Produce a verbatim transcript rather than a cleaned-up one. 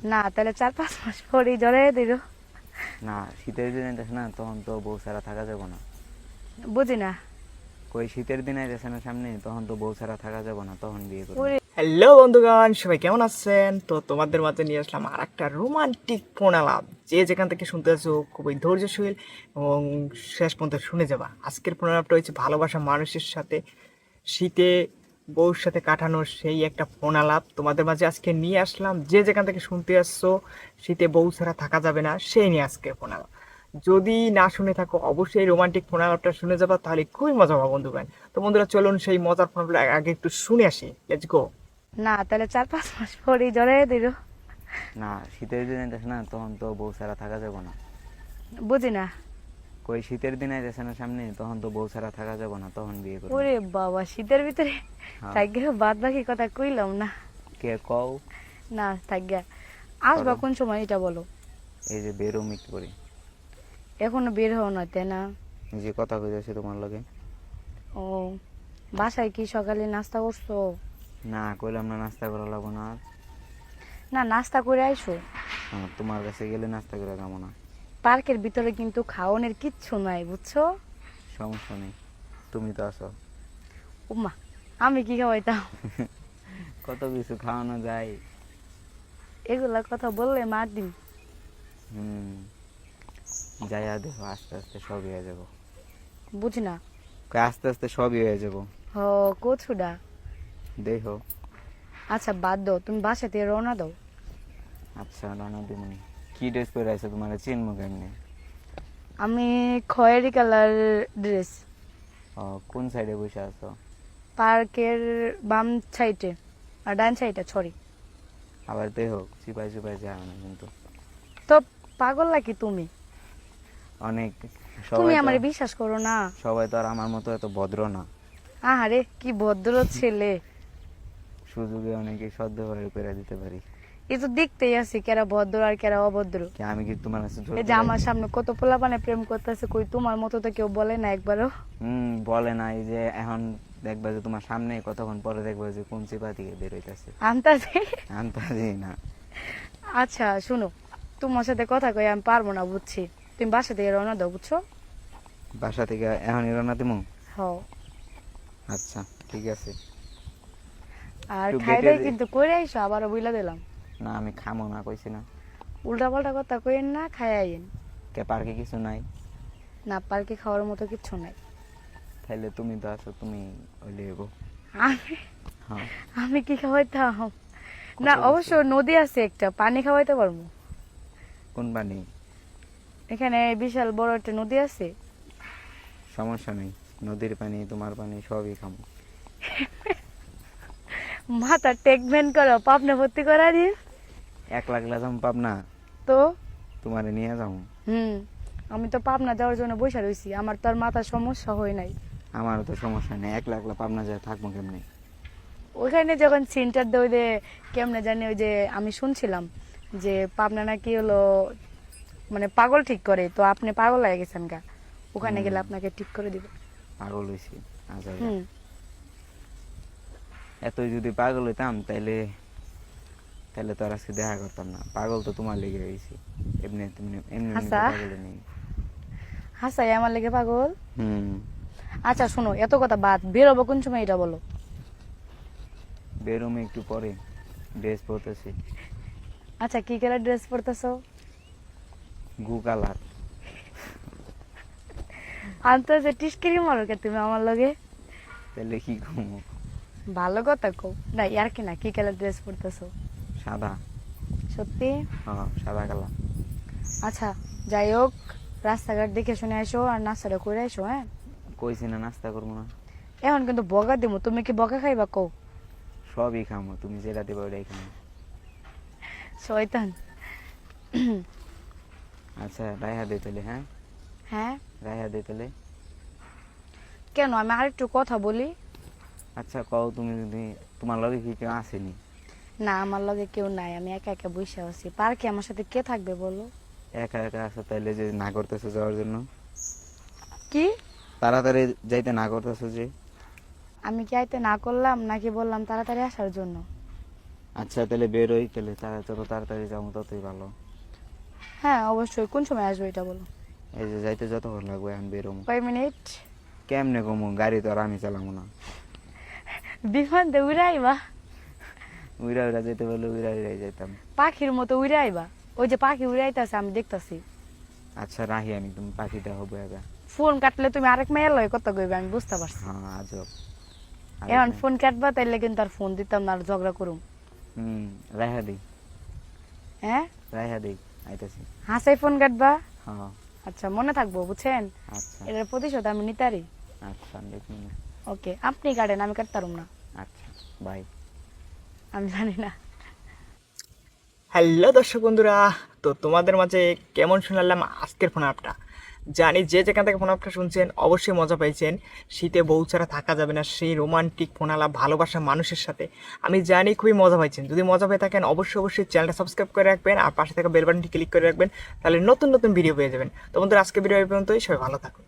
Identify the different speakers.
Speaker 1: না তাহলে চার পাঁচ মাস পরেই জড়াই দিল।
Speaker 2: না, শীতের দিনে যাস না, তখন তো বউ ছাড়া থাকা যাবে না।
Speaker 1: বুঝি না।
Speaker 2: কই শীতের দিনে যাচ্ছে না সামনে, তখন তো বউ ছাড়া থাকা যাবে না, তখন বিয়ে করবো।
Speaker 1: ওরে
Speaker 3: হ্যালো বন্ধুগণ, সবাই কেমন আছেন? তো তোমাদের মাঝে নিয়ে আসলাম আর একটা রোমান্টিক প্রণালাপ। যে যেখান থেকে শুনতে আছো খুবই ধৈর্যশীল এবং শেষ পর্যন্ত শুনে যাবা। আজকের প্রণালাপটা হচ্ছে ভালোবাসা মানুষের সাথে শীতে বউর সাথে কাটানোর সেই একটা প্রণালাপ তোমাদের মাঝে আজকে নিয়ে আসলাম। যে যেখান থেকে শুনতে আসছো শীতে বউ ছাড়া থাকা যাবে না, সেই নিয়ে আজকে প্রণালাপ। যদি না শুনে থাকো অবশ্যই রোমান্টিক প্রণালাপটা শুনে যাবা, তাহলে খুবই মজা পাবো বন্ধুগণ। তো বন্ধুরা চলুন সেই মজার প্রণালাপটা আগে একটু শুনে আসি। Let's go.
Speaker 1: না তাহলে চার পাঁচ মাস পরেই জড়াই দিল।
Speaker 2: না, শীতের দিনে যাস না, তখন তো বউ ছাড়া থাকা যাবে না।
Speaker 1: বুঝি না।
Speaker 2: কই শীতের দিনে যাচ্ছে না সামনে, তখন তো বউ ছাড়া থাকা যাবে না, তখন বিয়ে করবো।
Speaker 1: ওরে বাবা, শীতের ভিতরে
Speaker 2: হ্যাঁ।
Speaker 1: থাকবে, বাদ বাকি কথা কইলাম না।
Speaker 2: কে কও?
Speaker 1: না থাকবে। আসবা
Speaker 2: করো।
Speaker 1: কোন সময় এটা বলো।
Speaker 2: এই যে বেরোম একটু করে,
Speaker 1: এখনো বের হও না তাই না?
Speaker 2: এই যে কথা কইতেছে তোমার লগে।
Speaker 1: ও, বাসায় কি সকালে নাস্তা করছো?
Speaker 2: না, কইলাম না নাস্তা করা লাগবো না আর।
Speaker 1: না নাস্তা করে আইসো।
Speaker 2: হ্যাঁ, তোমার কাছে গেলে নাস্তা করে যাবো না।
Speaker 1: পার্কের ভিতরে কিন্তু খাওয়ানোর কিচ্ছু নাই বুঝছো।
Speaker 2: সমস্যা নেই, তুমি তো আছো।
Speaker 1: উমা, আমি কি খাওয়াইতাম?
Speaker 2: কত কিছু খাওয়ানো যায়।
Speaker 1: এগুলা কথা বললে মার দিন।
Speaker 2: হুম, যাইয়া দেখো, আস্তে আস্তে সবই হয়ে যাবো।
Speaker 1: বুঝি না।
Speaker 2: কই আস্তে আস্তে সবই হয়ে যাবো,
Speaker 1: হ, কচুডা।
Speaker 2: দেখো।
Speaker 1: আচ্ছা বাদ দাও, তুমি বাসা থেকে রওনা দাও।
Speaker 2: আচ্ছা, রানা দিমনি। কি ড্রেস পরে আছে, তোমার চিনবো কেমনি?
Speaker 1: আমি খয়েরি কালার ড্রেস।
Speaker 2: ও, কোন সাইডে বসে আছো?
Speaker 1: পার্কের বাম সাইডে আর ডান সাইডে, সরি।
Speaker 2: আবার দেখো, চিপাই চিপাই যায় না কিন্তু।
Speaker 1: তো পাগল নাকি তুমি?
Speaker 2: অনেক
Speaker 1: তুমি
Speaker 2: সবাই তো
Speaker 1: আমার বিশ্বাস করো না।
Speaker 2: সবাই তো আর আমার মতো এত ভদ্র না।
Speaker 1: আহারে কি ভদ্র ছেলে।
Speaker 2: সুযোগে অনেকে সদ্য হয়ে করে দিতে পারি।
Speaker 1: এই তো দেখতেই আছি কেরা ভদ্র আর কেরা অভদ্র।
Speaker 2: কি আমি কি তোমার কাছে জোর
Speaker 1: এই যে
Speaker 2: করে-
Speaker 1: আমার সামনে কত পোলাপানে প্রেম করতেছে, কই তোমার মতো তো কেউ বলে না একবারও।
Speaker 2: হুম, বলে না। এই যে এখন দেখবা যে তোমার সামনে, কতক্ষণ পরে দেখবা যে কোন চিপা থেকে বের হইতেছে।
Speaker 1: আন্তাজে।
Speaker 2: আন্তাজি না।
Speaker 1: আচ্ছা শুনো, তোমার সাথে কথা কই আমি পারবো না বুঝছি। তুমি বাসা থেকে রওনা দাও বুঝছো।
Speaker 2: বাসা থেকে এখনই রান্না দিমু?
Speaker 1: হ।
Speaker 2: আচ্ছা, ঠিক আছে।
Speaker 1: আর
Speaker 2: একটু
Speaker 1: খাই
Speaker 2: গেটে
Speaker 1: দাই
Speaker 2: দে-
Speaker 1: কিন্তু করে আইসো, আবারও বইলা দিলাম।
Speaker 2: না, আমি খামো না, কইছি না।
Speaker 1: উল্টা পাল্টা কথা কইেন না, খাই আইন।
Speaker 2: কে পার্কে কিছু নাই?
Speaker 1: না পার্কে খাওয়ার মতো কিচ্ছু নাই।
Speaker 2: তাইলে তুমি তো আছো, তুমি হইলে এগো।
Speaker 1: আমি
Speaker 2: হ্যাঁ।
Speaker 1: আমি কি খাওয়াইতাম? না
Speaker 2: কত
Speaker 1: অবশ্য নদী আছে একটা, পানি খাওয়াইতে পারবো।
Speaker 2: কোন পানি?
Speaker 1: এখানে বিশাল বড় একটা নদী আছে।
Speaker 2: সমস্যা নেই, নদীর পানি তোমার পানি সবই খামো।
Speaker 1: মাথা টেকমেন্ট করো, পাপনা ভর্তি করা দিন।
Speaker 2: এক লাখ লাগাম পাবনা,
Speaker 1: তো
Speaker 2: তোমারে নিয়ে যাবো।
Speaker 1: হুম, আমি তো পাবনা যাওয়ার জন্য বসে রয়েছি, আমার তো আর মাথার সমস্যা হয় নাই।
Speaker 2: আমারও তো সমস্যা নেই, এক লাখ লাখ পাবনা যায় থাকবো কেমনি?
Speaker 1: ওইখানে যখন সেন্টার দেয় ওই যে কেমনে জানি, ওই যে আমি শুনছিলাম যে পাবনা নাকি হলো মানে পাগল ঠিক করে, তো আপনি পাগল হয়ে গেছেন গা, ওখানে গেলে আপনাকে ঠিক করে দিবে।
Speaker 2: পাগল হয়েছি আচ্ছা।
Speaker 1: হুম।
Speaker 2: এতই যদি পাগল হইতাম তাইলে তাহলে তো আর আজকে দেখা করতাম না। পাগল তো তোমার লেগে হয়েছি, এমনি এমনি এমনি এমনি তো
Speaker 1: আচ্ছা।
Speaker 2: পাগল নেই।
Speaker 1: হাসাই আমার লেগে পাগল।
Speaker 2: হুম।
Speaker 1: আচ্ছা শোনো, এত কথা বাদ, বেরোবো কোন সময় এটা বলো।
Speaker 2: বেরোমে একটু পরে, ড্রেস পরতেছি।
Speaker 1: আচ্ছা কি কালার ড্রেস পরতেছো?
Speaker 2: গু কালার।
Speaker 1: আনতো যে টিস্কিরি মারো কে তুমি আমার লগে।
Speaker 2: তাহলে কি কমো?
Speaker 1: ভালো কথা কও না, ইয়ার কি না, কি কালার ড্রেস পরতেছো?
Speaker 2: সাদা।
Speaker 1: সত্যি?
Speaker 2: হ্যাঁ, সাদা কালার।
Speaker 1: আচ্ছা যাই হোক, রাস্তাঘাট দেখে শুনে আসো আর নাস্তাটা করে আসো। হ্যাঁ,
Speaker 2: কইছি না নাস্তা করবো না?
Speaker 1: এখন কিন্তু বকা দিব, তুমি কি বকা খাইবা কও?
Speaker 2: সবই খামো, তুমি যেটা দিবা ওইটাই খামো।
Speaker 1: শয়তান।
Speaker 2: আচ্ছা, রায়হা দে তাহলে। হ্যাঁ,
Speaker 1: হ্যাঁ
Speaker 2: রায়হা দে তাহলে।
Speaker 1: কেন, আমি আরেকটু কথা বলি।
Speaker 2: আচ্ছা কও, তুমি যদি তোমার লগে কি কেউ আসেনি?
Speaker 1: না আমার লগে কেউ নাই, আমি একা একা বসে আছি। পার্কে আমার সাথে কে থাকবে বলো?
Speaker 2: একা একা আসো, তাইলে যে না করতেছো যাওয়ার জন্য?
Speaker 1: কি?
Speaker 2: তাড়াতাড়ি যাইতে না করতেছো যে?
Speaker 1: আমি কি আইতে না করলাম নাকি বললাম তাড়াতাড়ি আসার জন্য?
Speaker 2: আচ্ছা তাহলে বেরোই, তাহলে তাহলে যত তাড়াতাড়ি যাবো ততই ভালো।
Speaker 1: হ্যাঁ অবশ্যই, কোন সময় আসবে এটা বলো।
Speaker 2: এই যে যাইতে যতক্ষণ লাগবে এখন বেরোবো।
Speaker 1: কয় মিনিট?
Speaker 2: কেমনে কমু, গাড়ি তো আর আমি চালাবো না।
Speaker 1: বিমান দিয়ে উড়ে আইবা,
Speaker 2: উইরা উইরা যেতে বললে উইরা উইরাই যাইতাম।
Speaker 1: পাখির মতো উড়ে আইবা। ওই যে পাখি উড়ে আইতাছে আমি দেখতাছি।
Speaker 2: আচ্ছা রাহি আমি, তুমি পাখি দেখো বয়া।
Speaker 1: ফোন কাটলে তুমি আরেক মেয়ের লয় কথা কইবে, আমি বুঝতে পারছি।
Speaker 2: হ্যাঁ আজব।
Speaker 1: এখন ফোন কাটবা তাইলে কিন্তু আর ফোন দিতাম না, আর ঝগড়া করুম।
Speaker 2: হুম রাইহা দিই,
Speaker 1: হ্যাঁ
Speaker 2: রাইহা দিই, আইতাছি।
Speaker 1: হাসাই ফোন কাটবা।
Speaker 2: হ্যাঁ
Speaker 1: আচ্ছা মনে থাকবো, বুঝছেন?
Speaker 2: আচ্ছা
Speaker 1: এটার প্রতিশোধ আমি নিতারি।
Speaker 2: আচ্ছা দেখুন।
Speaker 1: ওকে, আপনি কাটেন, আমি কাটতাম না।
Speaker 2: আচ্ছা বাই।
Speaker 1: আমি জানি না।
Speaker 3: হ্যালো দর্শক বন্ধুরা, তো তোমাদের মাঝে কেমন শোনালাম আজকের ফোন আপটা। জানি যে যেখান থেকে ফোন আপটা শুনছেন অবশ্যই মজা পাইছেন। শীতে বউ ছাড়া থাকা যাবে না, সেই রোমান্টিক ফোন আলাপ ভালোবাসা মানুষের সাথে আমি জানি খুবই মজা পাইছেন। যদি মজা পেয়ে থাকেন অবশ্যই অবশ্যই চ্যানেলটা সাবস্ক্রাইব করে রাখবেন আর পাশে থাকা বেল বাটনটি ক্লিক করে রাখবেন, তাহলে নতুন নতুন ভিডিও পেয়ে যাবেন। তো বন্ধুরা আজকে ভিডিও এই পর্যন্তই, সবাই ভালো থাকুন।